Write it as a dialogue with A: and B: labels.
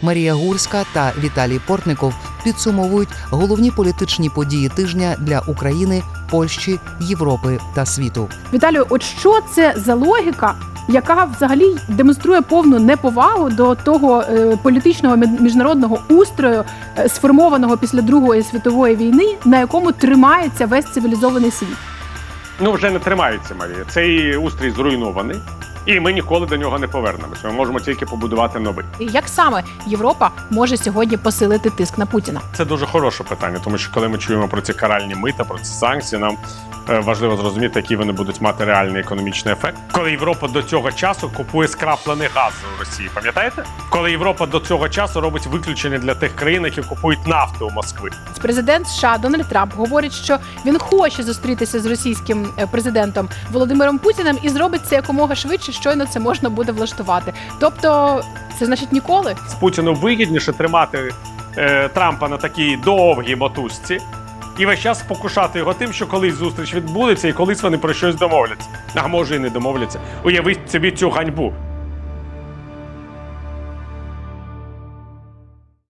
A: Марія Гурська та Віталій Портников підсумовують головні політичні події тижня для України, Польщі, Європи та світу.
B: Віталію, от що це за логіка, яка взагалі демонструє повну неповагу до того політичного міжнародного устрою, сформованого після Другої світової війни, на якому тримається весь цивілізований світ?
C: Ну, вже не тримається, Марія. Цей устрій зруйнований, і ми ніколи до нього не повернемося. Ми можемо тільки побудувати новий.
B: Як саме Європа може сьогодні посилити тиск на Путіна?
C: Це дуже хороше питання, тому що коли ми чуємо про ці каральні мита, про ці санкції, нам важливо зрозуміти, який вони будуть мати реальний економічний ефект. Коли Європа до цього часу купує скраплений газ у Росії, пам'ятаєте? Коли Європа до цього часу робить виключення для тих країн, які купують нафту у Москви.
B: Президент США Дональд Трамп говорить, що він хоче зустрітися з російським президентом Володимиром Путіним і зробить це якомога швидше, щойно це можна буде влаштувати. Тобто, це значить ніколи?
C: З Путіну вигідніше тримати Трампа на такій довгій мотузці і весь час спокушати його тим, що колись зустріч відбудеться і колись вони про щось домовляться. А може і не домовляться. Уявіть собі цю ганьбу.